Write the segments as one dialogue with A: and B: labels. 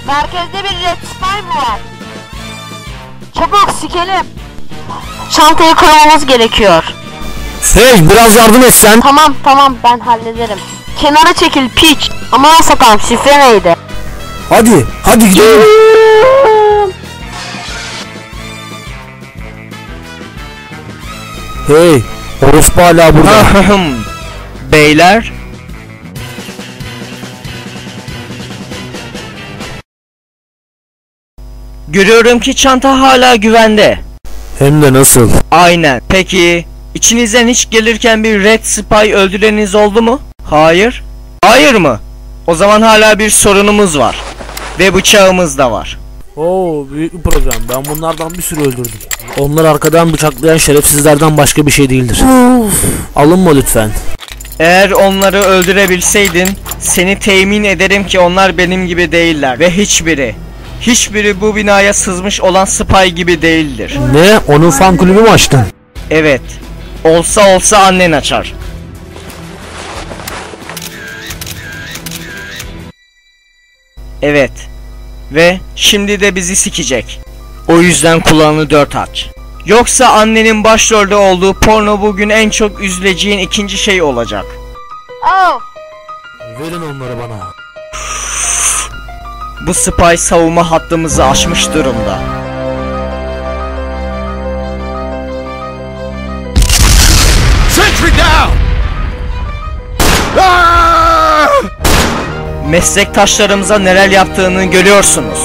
A: Merkezde bir Red Spy mı var? Çabuk sikelim. Çantayı kırmamız gerekiyor.
B: Hey, biraz yardım etsen.
A: Tamam ben hallederim. Kenara çekil piç. Aman sakalım, şifre neydi?
B: Hadi gidelim. Hey, orospu hala burada.
C: Beyler, görüyorum ki çanta hala güvende.
B: Hem de nasıl?
C: Aynen. Peki içinizden hiç gelirken bir Red Spy öldüreniniz oldu mu? Hayır. Hayır mı? O zaman hala bir sorunumuz var. Ve bıçağımız da var.
B: Oo, büyük bir problem. Ben bunlardan bir sürü öldürdüm. Onlar arkadan bıçaklayan şerefsizlerden başka bir şey değildir. Alınma lütfen.
C: Eğer onları öldürebilseydin, seni temin ederim ki onlar benim gibi değiller. Ve hiçbiri bu binaya sızmış olan spy gibi değildir.
B: Ne? Onun fan kulübü mü açtın?
C: Evet. Olsa annen açar. Evet. Ve şimdi de bizi sikecek. O yüzden kulağını dört aç. Yoksa annenin başrolde olduğu porno bugün en çok üzüleceğin ikinci şey olacak.
A: Oh.
B: Verin onları bana.
C: Bu spy savunma hattımızı aşmış durumda.
D: Sentry down!
C: Meslektaşlarımıza neler yaptığını görüyorsunuz.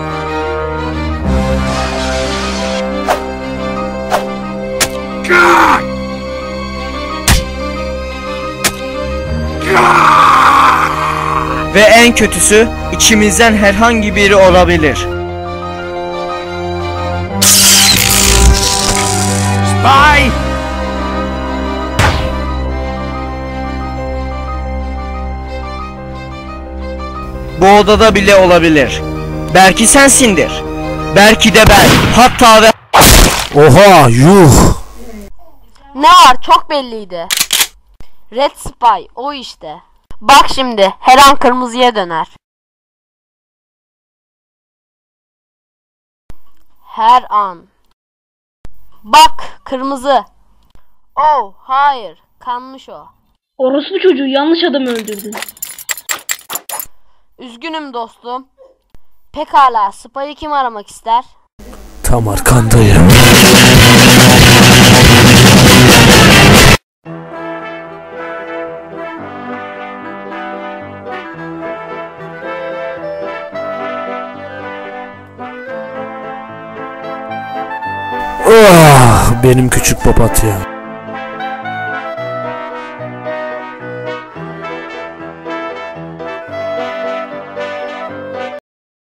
C: Ve en kötüsü, içimizden herhangi biri olabilir.
D: Spy!
C: Bu odada bile olabilir. Belki sensindir. Belki de ben. Hatta ve...
B: Oha, yuh.
A: Ne var, çok belliydi. Red Spy o işte. Bak şimdi her an kırmızıya döner. Her an. Bak kırmızı. Oh hayır, kanmış o.
E: Orospu çocuğu, yanlış adamı öldürdün.
A: Üzgünüm dostum. Pekala, Spy'ı kim aramak ister?
B: Tam arkandayım. Oh, benim küçük papatya.